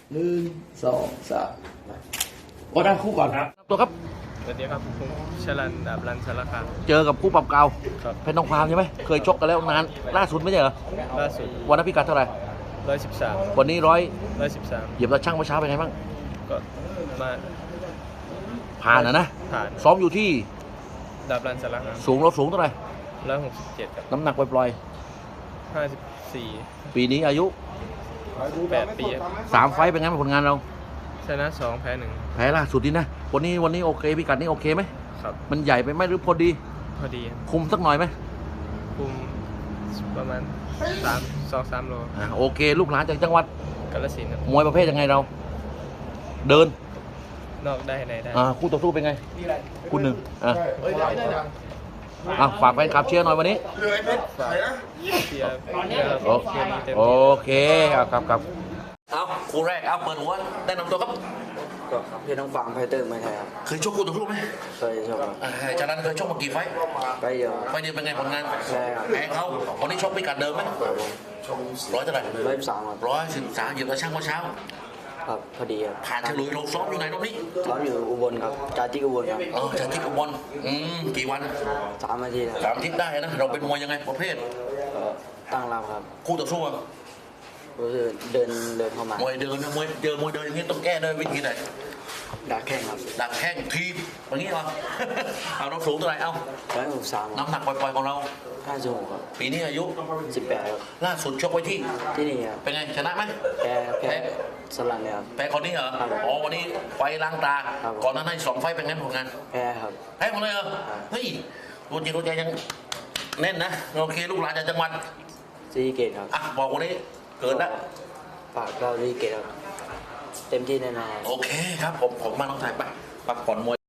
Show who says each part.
Speaker 1: 1 2 3ก็ได้คู่ก่อนตัวครับ
Speaker 2: สวัสดีครับผมชลันดาบรันสารคาม
Speaker 1: เจอกับคู่ปรับเก่า
Speaker 2: ครับ
Speaker 1: เพชรทองคำใช่ไหมเคยชกกันแล้วนานล่าสุดไม่ใช่เหรอ
Speaker 2: ล่าสุด
Speaker 1: วันนั้นพิกัดเท่าไหร่
Speaker 2: 113
Speaker 1: วันนี้
Speaker 2: 113
Speaker 1: เหยียบตะช่างเมื่อเช้าเป็นไงบ้าง
Speaker 2: ก็มา
Speaker 1: ผ่านนะ
Speaker 2: ผ่าน
Speaker 1: ซ้อมอยู่ที่
Speaker 2: ดาบรันสารคาม
Speaker 1: สูงเราสูงเท่าไหร่
Speaker 2: 167ครับ
Speaker 1: น้ำหนักปล่อย
Speaker 2: 54
Speaker 1: ๆปีนี้อายุ
Speaker 2: 8 ปีครับ
Speaker 1: 3 ไฟต์เป็นไงบ้างผลงานเรา
Speaker 2: ชนะ2แพ้
Speaker 1: แพ้ล่าสุดนี่นะวันนี้โอเคพิกัดนี้โอเคไหม
Speaker 2: 1ครับ
Speaker 1: มันใหญ่ไปไหมหรือพอดี
Speaker 2: พอดีครับ
Speaker 1: คุมสักหน่อยไหม
Speaker 2: คุมประมาณ2-3 โล
Speaker 1: โอเค ลูกหลานจากจังหวัด
Speaker 2: กาฬสินธุ์ครับ
Speaker 1: มวยประเภทยังไงเรา เดิน
Speaker 2: นอกได้ในได้
Speaker 1: คู่ต่อสู้เป็นไงคุณหนึ่งฝากแฟนคลับเชียร์หน่อยวันนี้
Speaker 2: ฝากเชียร์
Speaker 1: โอ
Speaker 2: เกมนี้เต็ม
Speaker 1: โอ
Speaker 2: ที่
Speaker 1: เคครับเอาคู่แรกเอาเปิดหัวแนะนำตัวครับ
Speaker 3: ก็เพชรทองฟางไฟเตอร์ไม่ใช่ครับ
Speaker 1: เคยชกคู่ต่อสู้ไหม
Speaker 3: เคยชกครับ
Speaker 1: จากนั้นเคยชกมากี่ไฟต์
Speaker 3: ไปเดียว
Speaker 1: ไฟต์เดียวเป็นไงผลงาน
Speaker 3: ใช่ครับ
Speaker 1: แพ้เขาวันนี้ชกพิกัดเดิมไหมร้อยเท่าไหร่
Speaker 3: 113ครับ
Speaker 1: 113เหยียบตะช่างเมื่อเช้า
Speaker 3: ครับพอดีครับ
Speaker 1: ผ่านฉลุยเราซ้อมอยู่ไหนรอบนี้
Speaker 3: ซ้อมอยู่อุบลครับจาจิกอุบลครับ
Speaker 1: จากที่อุบลกี่วัน
Speaker 3: 3 นาทีครับ
Speaker 1: 3 อาทิตย์ได้นะเราเป็นมวยยังไงประเภท
Speaker 3: ก็ตั้งรับครับ
Speaker 1: คู่ต่อสู้อะ
Speaker 3: ก็คือเดินเข้ามาม
Speaker 1: วยเดินนะมวยเดินอย่างนี้ต้องแก้ด้วยวิธีไหน
Speaker 3: ดักแข้งครับ
Speaker 1: ดักแข้งทีบอย่างนี้เหรอ เอาเราสูงเท่าไหร่เอา
Speaker 3: 163ครับ
Speaker 1: น้ำหนักปล่อยๆของเรา
Speaker 3: 56ครับ
Speaker 1: ปีนี้อายุ
Speaker 3: 18ครับ
Speaker 1: ล่าสุดชกไว้ที่
Speaker 3: ที่นี่ครับ
Speaker 1: เป็นไงชนะไหม
Speaker 3: แพ้สลันเลยครับ
Speaker 1: แพ้คนนี้เหรอ
Speaker 3: ครับ
Speaker 1: อ๋อวันนี้ไฟล้างตา
Speaker 3: ครับ
Speaker 1: ก่อนหน้านั้นสองไฟเป็นไงผลงาน
Speaker 3: แพ้ครับ
Speaker 1: แพ้หมดเลยเหรอ
Speaker 3: ครับ
Speaker 1: เฮ้ยตัวจริงตัวใจยังแน่นนะโอเคลูกหลานจากจังหวัด
Speaker 3: ซีเกตครับ
Speaker 1: บอกวันนี้เกิดแล้ว
Speaker 3: ฝากเราซีเกตครับเต็มที่แน่นอน
Speaker 1: โอเคครับผมมาต้องถ่ายไปพักผ่อนมวย